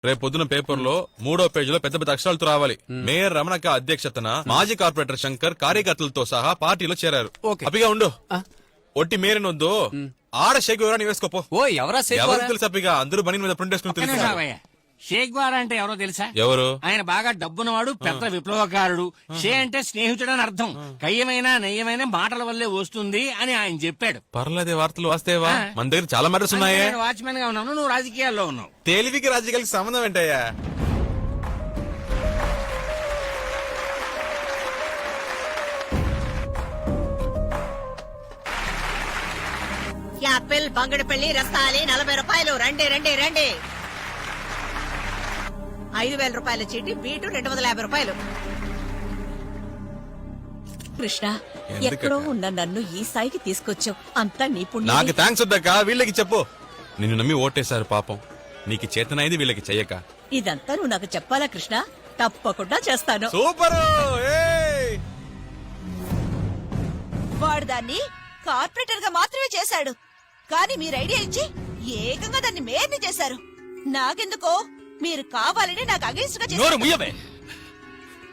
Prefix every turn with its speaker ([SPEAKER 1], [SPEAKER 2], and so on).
[SPEAKER 1] రేపు పొద్దున పేపర్ లో 3వ పేజీలో పెద్ద పెద్ద అక్షరాలతో రావాలి. మేయర్ రమణక్క అధ్యక్షతన మాజీ కార్పొరేటర్ శంకర్ కార్యకర్తలతో సహా పార్టీలో చేరారు. అప్పిగా ఉండు, ఒట్టి మేరనొద్దు, ఆడ షేక్ వివరాన్ని వేసుకోపో. ఎవరు తెలుసు అప్పిగా, అందరూ బనీ మీద ప్రింట్ వేసుకుని తెలుసు.
[SPEAKER 2] షేక్ వారా అంటే ఎవరో తెలుసా?
[SPEAKER 1] ఎవరు?
[SPEAKER 2] ఆయన బాగా డబ్బున్నవాడు, పెద్ద విప్లవకారుడు. షే అంటే స్నేహితుడు అని అర్థం. కయ్యమైన నయ్యమైన మాటల వల్లే వస్తుంది అని ఆయన చెప్పాడు.
[SPEAKER 1] పర్లేదే, వార్తలు వస్తేవా? మన దగ్గర చాలా మ్యాటర్స్ ఉన్నాయే.
[SPEAKER 2] వాచ్మెన్ గా ఉన్నాను, నువ్వు రాజకీయాల్లో ఉన్నావు.
[SPEAKER 1] తెలివికి రాజకీయాలకి సంబంధం ఏంటయ్యా?
[SPEAKER 3] యాపిల్ బంగడిపల్లి రస్తాలి 40 రూపాయలు. రండి రండి రండి. 5,000 రూపాయల చీటి, బీటు 250 రూపాయలు.
[SPEAKER 4] కృష్ణ, ఎక్కడో ఉన్న నన్ను ఈ స్థాయికి తీసుకొచ్చావు. అంతా నీ పుణ్యం.
[SPEAKER 1] నాకు థ్యాంక్స్ వద్దక్క, వీళ్ళకి చెప్పు. నిన్ను నమ్మి ఓటేశారు పాపం. నీకు చేతనైంది వీళ్ళకి చెయ్యక.
[SPEAKER 4] ఇదంతా నువ్వు నాకు చెప్పాలా కృష్ణ? తప్పకుండా చేస్తాను.
[SPEAKER 1] సూపర్.
[SPEAKER 4] వాడు దాన్ని కార్పొరేటర్ గా మాత్రమే చేశాడు, కానీ మీరు ఐడియా ఇచ్చి ఏకంగా దాన్ని మేయర్ని చేశారు. నాకెందుకో మీరు కావాలని నాకు అగేన్స్ట్ గా చేశారు.